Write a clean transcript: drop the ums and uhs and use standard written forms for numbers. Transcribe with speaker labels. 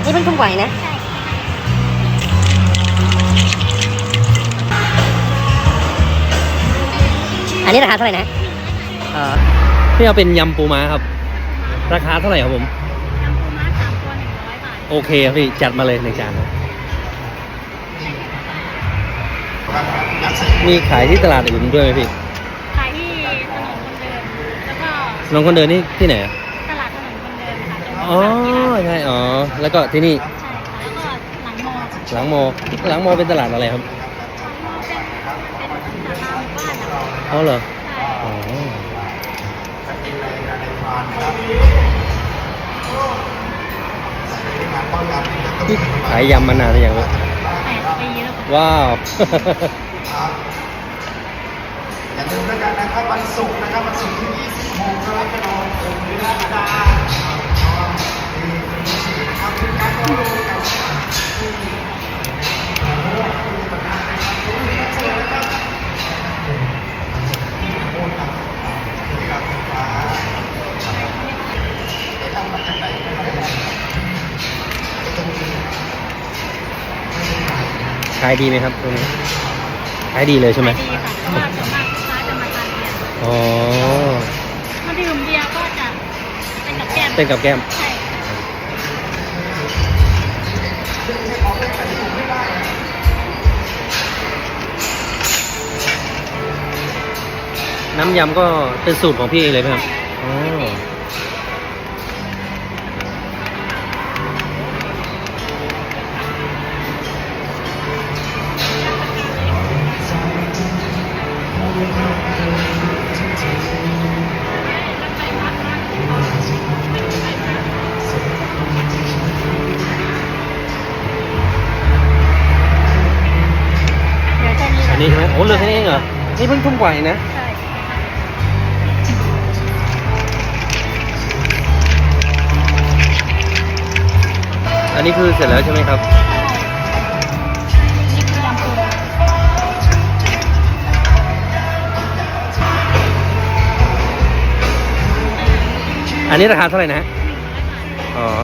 Speaker 1: นี่เพิ่งทุ่มกว่านะอันนี้ราคาเท่าไหร่นะ
Speaker 2: พี่เอาเป็นยำปูม้าครับราคาเท่าไหร่ครับผม
Speaker 3: ยำปูม้า3 ตัว100 บาท
Speaker 2: โอเคครับพี่จัดมาเลย1 จานมีขายที่ตลาดอื่นด้วยไหมพี่
Speaker 3: ขายที่ถนนคนเดินแล้วก็
Speaker 2: ถนนคนเดินนี่ที่ไหนอ่ะ
Speaker 3: ตลาดถนนคนเดินค่ะ
Speaker 2: อ๋อใช่อ๋อแล้วก็ที่นี่
Speaker 3: ใช่ค่ะแล้วก็
Speaker 2: หลังโมเป็นตลาดอะไรครับ
Speaker 3: เป็นศาลาหมู่บ้านอะ
Speaker 2: อ๋อเหรอ
Speaker 3: ใช่
Speaker 2: อ๋อพี่ขายยำมานานหรือยังวะ
Speaker 3: 8 ปีแล้วค่ะ
Speaker 2: ว้าว
Speaker 4: อย่าลืมแล้วกันนะครับวันศุกร์นะครับวันศุกร์ที่26กรกฎาคมนี้นะครับเป็นการเข้าร่วมกัน
Speaker 2: ขายดีไหมครับตรงนี้ขายดีเลยใช่ไหม
Speaker 3: ดีค่ะเพราะว่าส่วนมากลูกค้าจะมาทานเบียร์
Speaker 2: อ๋อ
Speaker 3: ถ้าดื่มเบียร์ก็จะเป็นกับแก้ม
Speaker 2: เป็นกับแก้ม
Speaker 3: ใช่
Speaker 2: น้ำยำก็เป็นสูตรของพี่เองเลยไหมครับอ๋ออันนี้ใช่ไหมโอ้เหลือแค่นี้เองเหรอนี่เพิ่งทุ่มกว่าเองนะ
Speaker 3: ใช่
Speaker 2: อันนี้คือเสร็จแล้วใช่ไหมครับ
Speaker 3: นี่คือยำปู
Speaker 2: อันนี้ราคาเท่าไหร่นะอ๋อ